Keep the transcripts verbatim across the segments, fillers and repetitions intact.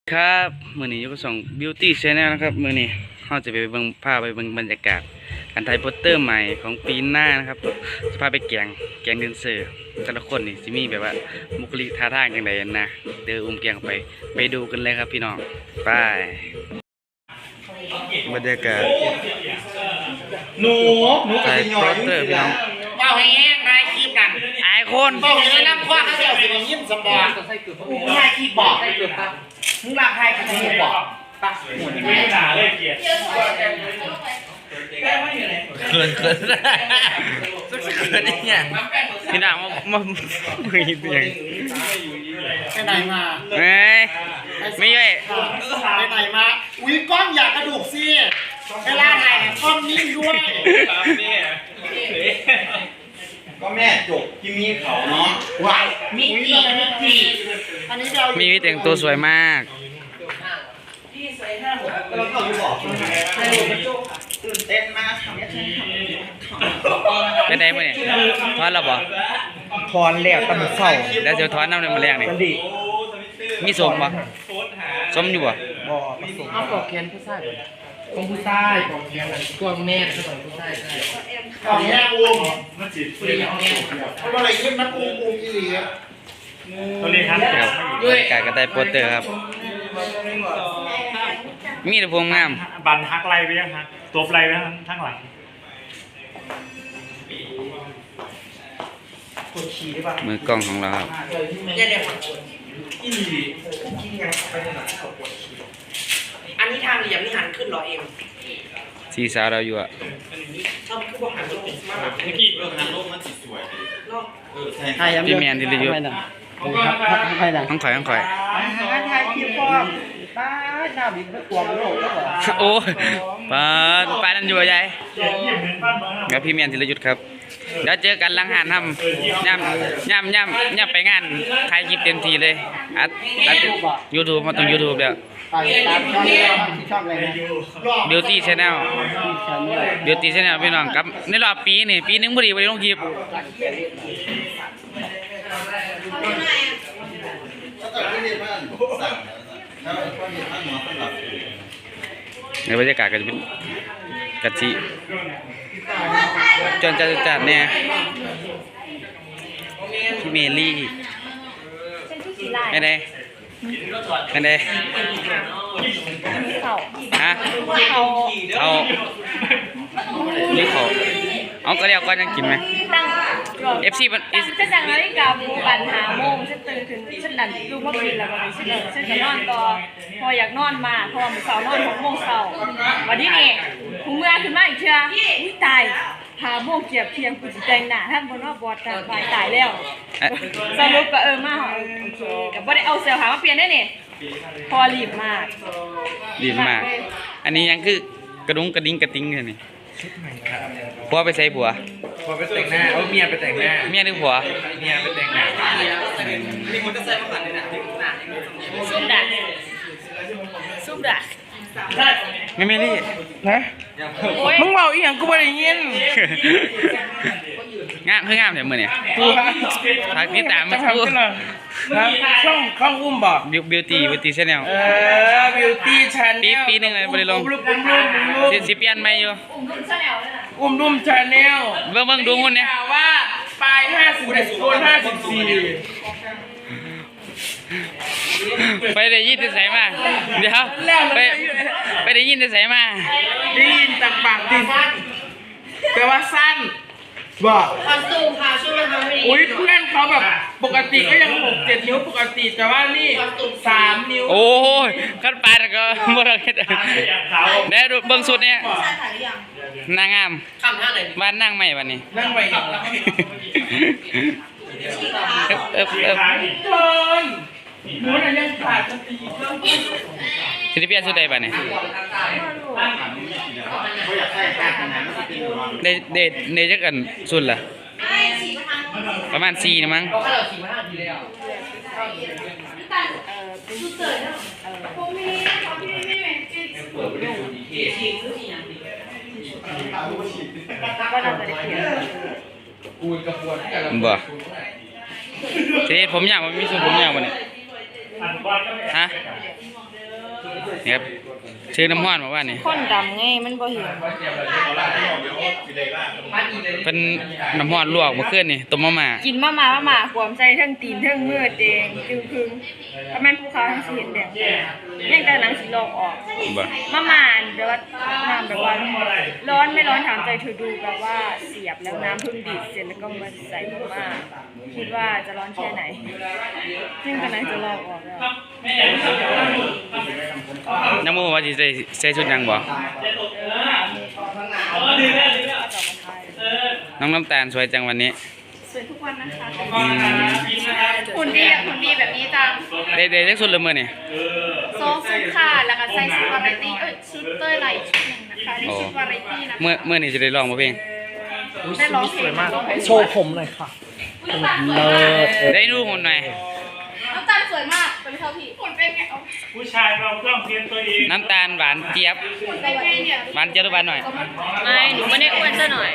ครับมือนี้ยกส่ง Beauty Channel นะครับมือนี้เราจะไปเบิ่งภาพไปเบิ่งบรรยากาศการถ่ายโปสเตอร์ใหม่ของปีหน้านะครับจะพาไปแกงแกงเดนเซอร์แต่ละคนนี่สิมีแบบว่าบุคลิกท่าทางอย่างไรนะเดินอุ้มแกงไปไปดูกันเลยครับพี่น้องไปบรรยากาศหนูหนูกับถ่ายสิโปสเตอร์พี่น้องเบาให้แห้งนายคีบกันไอคนเบาให้น้ำคว้าเขาเสียวสิยิ้มสมบัติกูนายคีบบอกมึงรักใครกูคีบบอกปะหมุนไม่ด่าเลยเกียรติเขินเขินเขินเนี่ยพี่น้องมามาไม่เสียงไปไหนมาเฮ้ยไม่ย่อยไปไหนมาอุ้ยก้อนอยากกระดูกสิเวลาถ่ายก้อนนิ่งด้วยก็แม่จบที่มีเขาเนาะว้ายมิจิมิจิอันนี้เรามีวิแต่งตัวสวยมากเราก็อยู่บอกตื่นเต้นมากทำยังไงเป็นไงมื่อนี่ทอนเราบ่ถอนแล้วตำเศร้าแล้วจะทอนน้ำในมือแรงนี่มันดีมีสมบ่สมอยู่บ่บ่ผสมเอาปอกแขนผู้ชายของผู้ชายปอกแขนกวางแม่ก็ต้องผู้ชายใช่กวางแม่อุ้มมันจิตฟรีแม่เพราะอะไรยิ้มมันอุ้มอุ้มอีหลีอ่ะตัวนี้ครับบรรยากาศกระต่ายโปสเตอร์ครับมีแต่พวงงามบันทักไล่ไปยังฮะตัวไล่ไปทั้งทั้งหลังปวดฉี่ได้ป่ะมือกล้องของเราครับเนี่ยเนี่ยฝั่งคนอีหลีกินยังไปไหนเขาปวดฉี่อันนี้ทางเหลี่ยมนี่หันขึ้นเหรอเอ็มสีสาวเราอยู่อ่ะชอบคือบอกหันลงมาหลังเมื่อกี้เออหันโลกมันสิสวยเนาะเออใช่พี่แมนที่เราอยู่ใครดังต้องข่อยต้องข่อยถ่ายคลิปก่อนป้าหน้าบิดไม่กลัวมันโลกแล้วเหรอโอ้ยปาดปาดนั่นอยู่ใหญ่เขียนเขียนเป็นบ้านเมืองกับพี่แมนธีรยุทธ์ครับเดี๋ยวเจอกันหลังหานทำย่ำย่ำย่ำย่ำไปงานถ่ายคลิปเต็มทีเลยอัดอัดยูทูบมาตรงยูทูบเดี๋ยวตามช่องช่องอะไรนะ Beauty Channel Beauty Channel พี่น้องครับในรอบปีนี่ปีหนึงพอดีพอดีลงคลิปถ้าเกิดไม่เรียนบ้านสั่งถ้าพ่อเรียนบ้านหมอสำหรับในบรรยากาศก็จะเป็นกะทิจนจัดจัดเนี่ยพี่เมลี่ไม่ได้ไม่ได้เขาฮะเขาเขานี่เขาเอาก็เรียกก่อนยังกินไหมตั้งเอฟซีมันตั้งฉันดังนาฬิกาบูปันหาโมงฉันตื่นขึ้นฉันดันดูเมื่อคืนแล้ววันนี้ฉันเลยฉันจะนอนต่อพออยากนอนมาเพราะว่ามันเสาร์นอนหกโมงเสาร์วันนี้นี่หูเมื่อขึ้นมาอีกเชื่ออุ้ยตายหาโมงเกียบเพียงกูจะแต่งหน้าท่านบนว่าบอดแต่ตายตายแล้วสรุปก็เออมาโอเคกับบ่ได้เอาเสื้อผ้ามาเปลี่ยนได้เนี่ยพอรีบมากดีมาก อันนี้ยังคือกระดุงกระดิ่งกระติ้งเลยนี่ผัวไปใส่ผัวพอไปแต่งหน้าเอาเมียไปแต่งหน้าเมียหรือผัวเมียไปแต่งหน้ามีคนจะใส่มาขันเลยนะซุ่มดักซุ่มดักไม่เมลี่ฮะมึงเบาอีหยังกูไม่ได้ยินงามคืองามแต่เมื่อเนี่ยกูฮะพักติดตามมาจะคู่ทำกันเหรอครับช่องช่องอุ้มบอกบิวตี้บิวตี้ชาแนลเออ beauty ปี channel ปีหนึ่งเลยบริลงอุ้มรูปอุ้มรูปอุ้มรูปสิสิเปลี่ยนใหม่อยู่อุ้มรุ่นซะแล้วนะอุ้มรูป channel เบิ่งเบิ่งดูคนเนี่ยกล่าวว่าปลายห้าสิบเอ็ดโคนห้าสิบสี่ไปได้ยินแต่ใส่มาเดี๋ยวไปไปได้ยินแต่ใส่มาได้ยินจากปากดิแต่ว่าสั้นบอกคอสตูมค่ะช่วยมาทำให้ดีอุ้ยเพื่อนเขาแบบปกติก็ยังหกเจ็ดนิ้วปกติแต่ว่านี่สามนิ้วโอ้ยขั้นปลาแล้วก็บ่ได้เฮ็ดเดี๋ยวดูเบิ่งสุดเนี่ยใช่ถ่ายหรือยังนางงามคำท่าไหนบ้านนั่งใหม่บัดนี้นั่งไปอีกเอิบเอิบเอิบเกินหมูน่ะยังขาดสติอีกเรื่องสิได้เปลี่ยนสุดใดบัดนี้ได้ได้ได้จักอันสุดล่ะประมาณสี่นะมั้งเราแค่เราขี่มาห้าทีแล้วก็น่าจะได้เขียนกูกระปวดแต่ละบ่ทีนี้ผมอยากมันมีส่วนผมอยากบัดนี้ฮะนี่ครับชื่อน้ำห้อนบอกว่านี่คนดำไงมันบ่เห็นเป็นน้ำห้อนลวกเมื่อคืนนี่ต้มมาม่ากินมามามามาความใจทั้งตีนทั้งมือแดงจึงพึงถ้าแม่นภูเขาทั้งสิเห็นแดงยังแต่หนังสีลอกออกบ่มามาแบบว่าน้ำแบบว่าร้อนไม่ร้อนถามใจเธอดูแบบว่าเสียบแล้วน้ำเพิ่งดีดเสร็จแล้วก็มาใส่มาคิดว่าจะร้อนแค่ไหนซึ่งกำลังจะลอกออกแล้วน้ำมูว่าสิใส่ใส่ชุดหยังบ่น้องน้ำตาลสวยจังวันนี้สวยทุกวันนะคะอืมหุ่นดีหุ่นดีแบบนี้จังได้ได้จักชุดเลยมื้อนี่โซซุปค่ะแล้วก็ใส่ชุดวาไรตี้เอ้ยชุดเต้ยไหลชุดหนึ่งนะคะนี่ชุดวาไรตี้นะคะเมื่อเมื่อนี่จะได้ร้องบ่เพลงได้ร้องเพลงร้องเพลงโชว์ผมหน่อยค่ะเลิศได้ดูหุ่นหน่อยน้ำตาลสวยมากเป็นเท่าพี่หุ่นเป็นไงเอาผู้ชายเราต้องเตรียมตัวเองน้ำตาลหวานเจี๊ยบหุ่นเป็นไงเนี่ยหวานเจี๊ยบหรือหวานหน่อยไม่หนูไม่ได้อ้วนซะหน่อย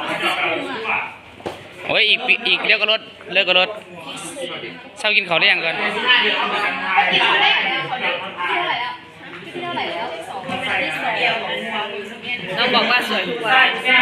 โอ้ยอีกปีอีกเลิกก็ลดเลิกก็ลดเช้ากินข้าวได้ยังก่อนพี่เท่าไหร่แล้วเขาเด็กพี่เท่าไหร่แล้วพี่เท่าไหร่แล้วสองน้องบอกว่าสวยทุกวัน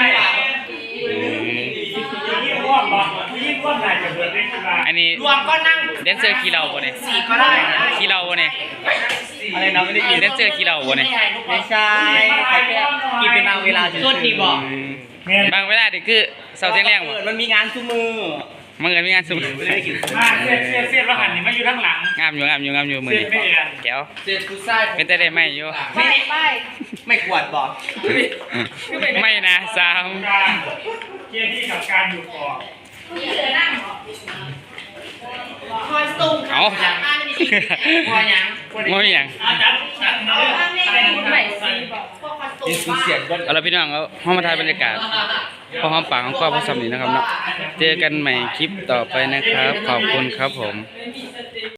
ยิ่งร่วมบ่ยิ่งร่วมได้จะเกิดได้ขึ้นมาอันนี้รวมก็นั่งแดนเซอร์ขี้เหล้าบ่เนี่ยสี่ก็ได้ขี้เหล้าบ่เนี่ยอะไรนะไม่ได้ยินแดนเซอร์ขี้เหล้าบ่เนี่ยไม่ใช่เขาแค่กินเป็นบางเวลาจุดดีบอกเงี้ยบางเวลานี่คือเช้าเที่ยงแรงบ่เปิดมันมีงานทุกมือมันเงินมีงานสุดมาเสียดเสียดเสียดแล้วหันนี่มาอยู่ข้างหลังงามอยู่งามอยู่งามอยู่มื้อเสียนี้ดไม่เอียนแก้วเจ็ดกูไส้เป็นแต่ได้ไหมอยู่ไม่ไม่ไม่ขวดบอกไม่นะสามการเกียร์ที่กับการอยู่ก่อนคอยส่งเอาพอยังไม่มีหยังอาจารย์จัดมาเลยใหม่ซีบอกยินสูเสียงก็เอาละพี่น้องเอาห้องมาถ่ายบรรยากาศพอหอมปากของครอบครัวสำนีนะครับเนาะเจอกันใหม่คลิปต่อไปนะครับ ขอบคุณครับผมไม่มี